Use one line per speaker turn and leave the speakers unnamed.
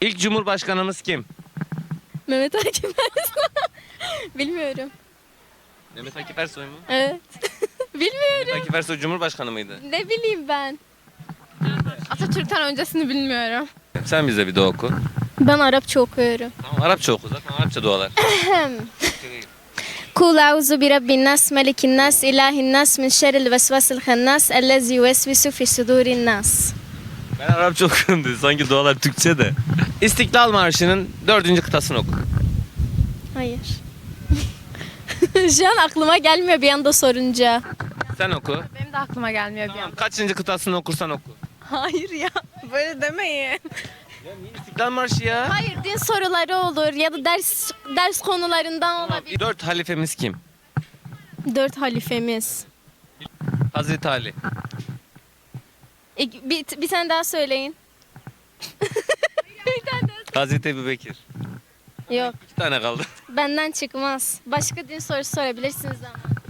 İlk Cumhurbaşkanımız kim?
Mehmet Akif Ersoy. Bilmiyorum.
Mehmet Akif Ersoy mu?
Evet. Bilmiyorum.
Mehmet Akif Ersoy Cumhurbaşkanı mıydı?
Ne bileyim ben. Atatürk'ten öncesini bilmiyorum.
Sen bize bir dua oku.
Ben Arapça okuyorum.
Tamam Arapça oku zaten Arapça dualar.
Kul auzu bi rabbin nas, melikin nas, ilahin nas, min şerril vesvesil hannas, ellezî yuvesvisu fi sudurin nas.
Ben Arapça okuyorum dedi. Sanki dualar Türkçe de. İstiklal Marşı'nın 4. kıtasını oku.
Hayır. Şu an aklıma gelmiyor bir anda sorunca.
Sen oku.
Benim de aklıma gelmiyor bir
Tamam,
an.
kaçıncı kıtasını okursan oku.
Hayır ya. Böyle demeyin.
Ya niye İstiklal Marşı ya?
Hayır, din soruları olur ya da ders konularından olabilir.
4 halifemiz kim?
4 halifemiz.
Hazreti Ali.
Bir tane daha söyleyin. Bir tane daha.
Hazreti Ebubekir.
Yok,
2 tane kaldı.
benden çıkmaz. Başka din sorusu sorabilirsiniz ama.